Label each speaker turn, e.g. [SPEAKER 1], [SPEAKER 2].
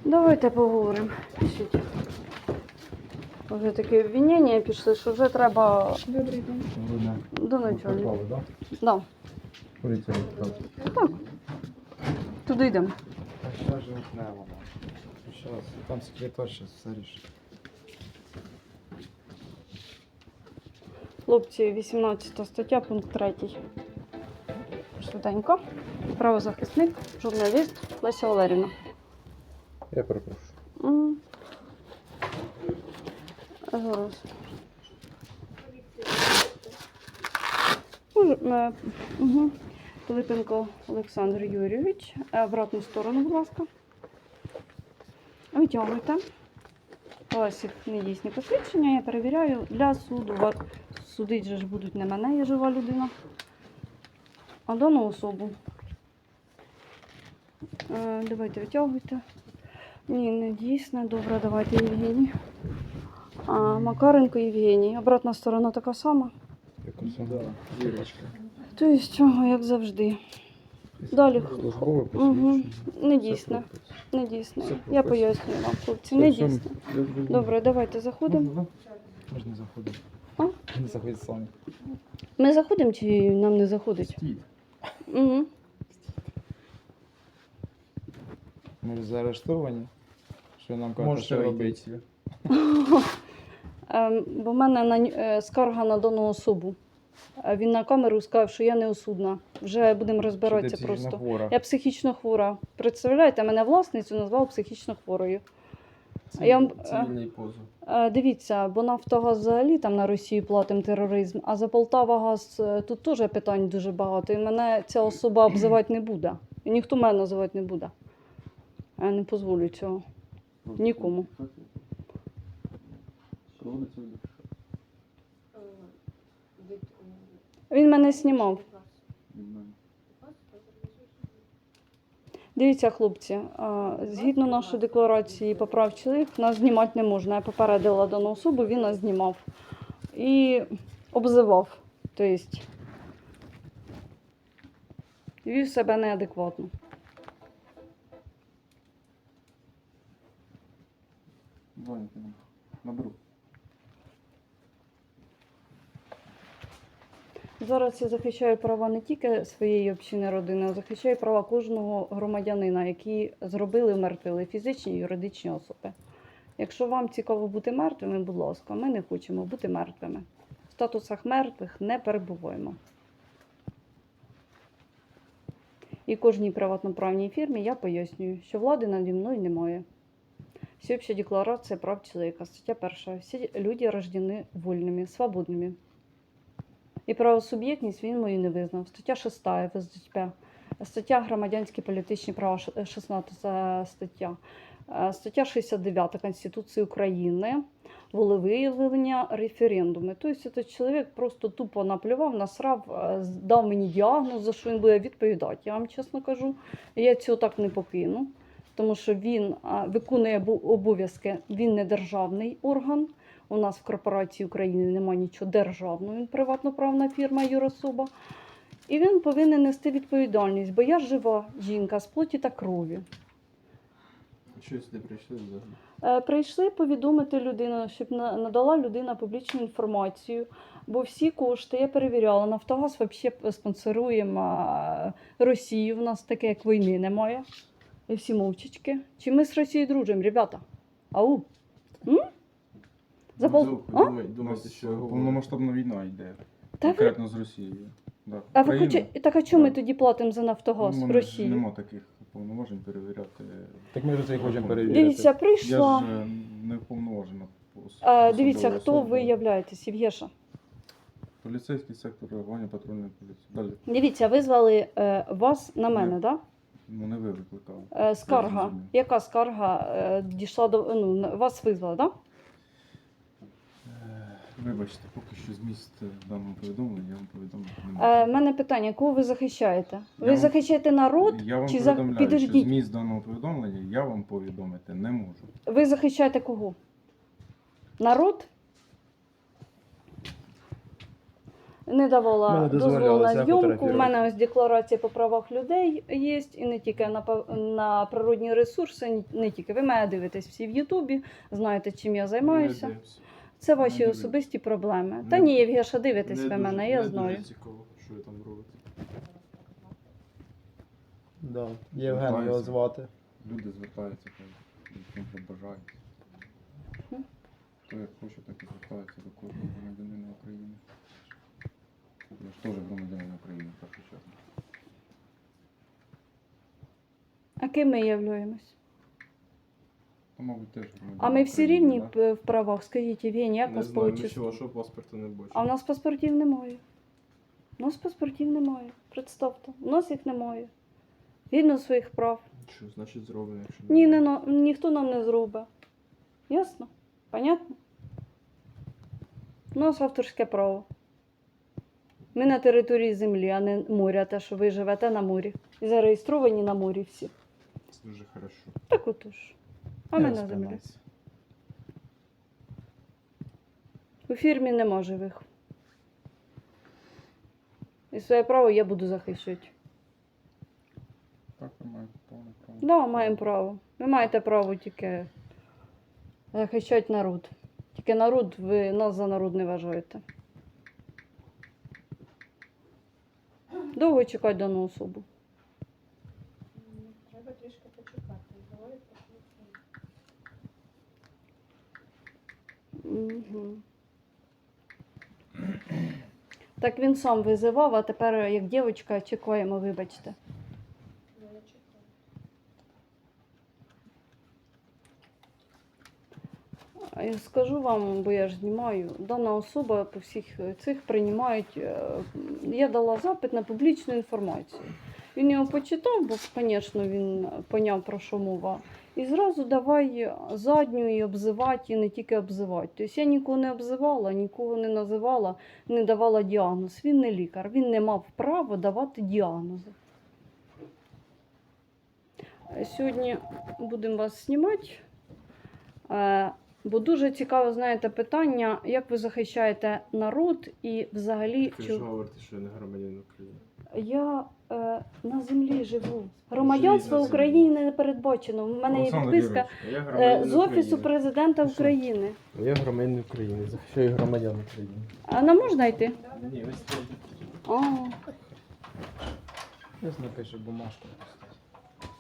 [SPEAKER 1] Давайте поговоримо. Пишіть. Вже таке обвинення пішли, що вже треба
[SPEAKER 2] Добрий день.
[SPEAKER 1] до начальника.
[SPEAKER 3] Да?
[SPEAKER 1] Да.
[SPEAKER 3] Поліція.
[SPEAKER 1] Так. Туди йдемо.
[SPEAKER 3] А що ж не вона? Зараз, там секретар зараз все рішить.
[SPEAKER 1] Хлопці, 18 стаття, пункт 3. Швиденько. Правозахисник, журналіст Леся Валерівна.
[SPEAKER 3] Я перепрошую.
[SPEAKER 1] Мгм. Зараз. Угу. Пилипенко Олександр Юрійович. Обратну сторону, будь ласка. Витягуйте. У вас їх недійсні посвідчення. Я перевіряю для суду. Судить же ж будуть не мене, я жива людина, а дану особу. Давайте витягуйте. Ні, не дійсне. Добре, давайте Євгеній. Макаренко Євгеній. Обратна сторона така сама.
[SPEAKER 3] Яку сюди? Вірочка.
[SPEAKER 1] Тобто, як завжди. Далі.
[SPEAKER 3] Службове
[SPEAKER 1] Угу.
[SPEAKER 3] посвідчення.
[SPEAKER 1] Не дійсне. Не дійсне.
[SPEAKER 3] Все
[SPEAKER 1] Я
[SPEAKER 3] прописано.
[SPEAKER 1] пояснюю вам, хлопці. Не дійсне. Добре, давайте заходимо.
[SPEAKER 3] Можна заходити.
[SPEAKER 1] А?
[SPEAKER 3] Не заходить самі.
[SPEAKER 1] Ми заходимо чи нам не заходить?
[SPEAKER 3] Стійте.
[SPEAKER 1] Угу.
[SPEAKER 3] Ми ж заарештовані. Що нам кажуть,
[SPEAKER 4] Можете
[SPEAKER 3] що
[SPEAKER 4] вийти.
[SPEAKER 3] робити?
[SPEAKER 1] Бо в мене скарга на дану особу. Він на камеру сказав, що я неосудна. Вже будемо розбиратися просто.
[SPEAKER 3] Хвора.
[SPEAKER 1] Я психічно хвора. Представляєте, мене власницю назвав психічно хворою. Я вам-
[SPEAKER 4] Цивільний позов.
[SPEAKER 1] Дивіться, бо Нафтогаз взагалі там на Росію платимо тероризм, а за Полтавагаз тут теж питань дуже багато. І мене ця особа обзивати не буде. І ніхто мене називати не буде. Я не дозволю цього. Нікому. Він мене знімав. Дивіться, хлопці, згідно нашої декларації по прав чоловік, нас знімати не можна. Я попередила дану особу, він нас знімав. І обзивав. Тобто, вів себе неадекватно.
[SPEAKER 3] Дзвоните нам. Наберу.
[SPEAKER 1] Зараз я захищаю права не тільки своєї общини родини, а захищаю права кожного громадянина, які зробили вмертвили фізичні і юридичні особи. Якщо вам цікаво бути мертвими, будь ласка, ми не хочемо бути мертвими. В статусах мертвих не перебуваємо. І кожній приватноправній фірмі я пояснюю, що влади наді мною немає. Всеобщая декларация прав человека, стаття 1. Всі люди рождені вольними, свободними. І правосуб'єктність він мою не визнав. Стаття 6 ФСДП. Стаття громадянські політичні права, 16 стаття. Стаття 69 Конституції України. Волевиявлення, референдуми. Тобто цей чоловік просто тупо наплював, насрав, дав мені діагноз, за що він буде відповідати. Я вам чесно кажу, я цього так не покину. Тому що він виконує обов'язки, він не державний орган. У нас в корпорації України немає нічого державного, він приватноправна фірма, юрособа. І він повинен нести відповідальність, бо я жива жінка з плоті та крові.
[SPEAKER 4] Що сюди прийшли взагалі?
[SPEAKER 1] Прийшли повідомити людину, щоб надала людина публічну інформацію, бо всі кошти, я перевіряла, Нафтогаз взагалі спонсорує Росію, в нас таке як війни немає. І всі мовчечки. Чи ми з Росією дружимо, ребята? Ау?
[SPEAKER 4] Думаєте, що
[SPEAKER 3] Повномасштабна війна йде.
[SPEAKER 1] Та ви-
[SPEAKER 3] Конкретно з Росією. Да.
[SPEAKER 1] А ви
[SPEAKER 3] Україна.
[SPEAKER 1] хочете, так а чому ми
[SPEAKER 3] Так.
[SPEAKER 1] тоді платимо за Нафтогаз
[SPEAKER 3] Ну,
[SPEAKER 1] в
[SPEAKER 3] мене ж
[SPEAKER 1] Росії?
[SPEAKER 3] Нема таких повноважень перевіряти.
[SPEAKER 4] Так ми вже це і хочемо перевірити.
[SPEAKER 1] Дивіться,
[SPEAKER 3] Я
[SPEAKER 1] прийшла.
[SPEAKER 3] ж не вповноважена.
[SPEAKER 1] Дивіться, хто ви являєтесь, Євгеша.
[SPEAKER 3] Поліцейський сектор реагування патрульної поліції. Далі.
[SPEAKER 1] Дивіться, визвали вас на мене,
[SPEAKER 3] Ні.
[SPEAKER 1] так?
[SPEAKER 3] Ну не ви викликали.
[SPEAKER 1] Да? Скарга.
[SPEAKER 3] зрозумів.
[SPEAKER 1] Яка скарга дійшла до. Вас визвали, так? Да?
[SPEAKER 3] Вибачте, поки що зміст даного повідомлення я вам повідомити не можу.
[SPEAKER 1] У мене питання, кого ви захищаєте?
[SPEAKER 3] Я
[SPEAKER 1] Ви
[SPEAKER 3] вам-
[SPEAKER 1] захищаєте народ
[SPEAKER 3] Я вам
[SPEAKER 1] чи
[SPEAKER 3] повідомляю, що
[SPEAKER 1] підождіть?
[SPEAKER 3] зміст даного повідомлення я вам повідомити не можу.
[SPEAKER 1] Ви захищаєте кого? Народ? не давала
[SPEAKER 4] Мене
[SPEAKER 1] дозволу
[SPEAKER 4] дозволялося
[SPEAKER 1] на зйомку. У
[SPEAKER 4] фотографувати.
[SPEAKER 1] мене ось декларація по правах людей є, і не тільки на природні ресурси, не тільки. Ви мене дивитесь всі в Ютубі, знаєте, чим я займаюся.
[SPEAKER 4] Не дивимося.
[SPEAKER 1] Це ваші
[SPEAKER 4] дивлюсь.
[SPEAKER 1] особисті проблеми.
[SPEAKER 4] Не-
[SPEAKER 1] Та ні, Євгеша, дивитесь
[SPEAKER 4] Не
[SPEAKER 1] ви
[SPEAKER 4] дуже-
[SPEAKER 1] мене, я
[SPEAKER 4] не
[SPEAKER 1] знаю.
[SPEAKER 4] дуже цікаво, що ви там робите.
[SPEAKER 3] Да. Євген його
[SPEAKER 2] Звертаються.
[SPEAKER 3] звати.
[SPEAKER 2] Люди звертаються, ким бажають.
[SPEAKER 1] Мгм.
[SPEAKER 2] Хто як хоче, так і звертається до кожного громадянина України. Я ж теж громадянин України, в першу чергу.
[SPEAKER 1] А ким ми являємось?
[SPEAKER 2] То, мабуть, теж громадянин
[SPEAKER 1] А ми всі
[SPEAKER 2] України,
[SPEAKER 1] рівні
[SPEAKER 2] да?
[SPEAKER 1] в правах? Скажіть, Євгеній, як
[SPEAKER 4] Не
[SPEAKER 1] вас
[SPEAKER 4] знаю,
[SPEAKER 1] вийшло?
[SPEAKER 4] нічого, вашого паспорта не бачу.
[SPEAKER 1] А в нас паспортів немає. У нас паспортів немає. Представте, у нас їх немає. Згідно своїх прав.
[SPEAKER 4] Що, значить зроблено, якщо
[SPEAKER 1] Ні,
[SPEAKER 4] немає?
[SPEAKER 1] ніхто нам не зробить. Ясно? Понятно? У нас авторське право. Ми на території землі, а не моря, те, що ви живете на морі. І зареєстровані на морі всі.
[SPEAKER 4] Це дуже хорошо.
[SPEAKER 1] Так отож. А ми
[SPEAKER 3] Не
[SPEAKER 1] на землі.
[SPEAKER 3] спинайся.
[SPEAKER 1] У фірмі нема живих. І своє право я буду захищати.
[SPEAKER 2] Так, ви маєте повне право.
[SPEAKER 1] Да, маємо право. Ви маєте право тільки захищати народ. Тільки народ, ви нас за народ не вважаєте. Довго чекати дану особу.
[SPEAKER 5] Треба трішки почекати. Говорить про
[SPEAKER 1] Угу. Так він сам визивав, а тепер, як дівчинка, чекаємо, вибачте.
[SPEAKER 5] я чекаю.
[SPEAKER 1] А я скажу вам, бо я ж знімаю, дана особа по всіх цих приймають. Я дала запит на публічну інформацію. Він його почитав, бо, звісно, він поняв, про що мова. І зразу давай задню і обзивати, і не тільки обзивати. Тобто я нікого не обзивала, нікого не називала, не давала діагноз. Він не лікар, він не мав права давати діагнози. Сьогодні будемо вас знімати. Бо дуже цікаве, знаєте, питання, як ви захищаєте народ і взагалі...
[SPEAKER 4] Ви ж говорите, що я не громадянин України.
[SPEAKER 1] Я на землі живу. Громадянство
[SPEAKER 4] Живіть на
[SPEAKER 1] України не передбачено. У мене є
[SPEAKER 2] Олександр
[SPEAKER 1] підписка
[SPEAKER 4] Я громадянин
[SPEAKER 1] з Офісу
[SPEAKER 4] України.
[SPEAKER 1] президента
[SPEAKER 4] Що?
[SPEAKER 1] України.
[SPEAKER 4] Я громадянин України, захищаю громадян України.
[SPEAKER 1] А нам можна йти?
[SPEAKER 4] Ні, ось це.
[SPEAKER 1] А,
[SPEAKER 3] Ось напише бумажку.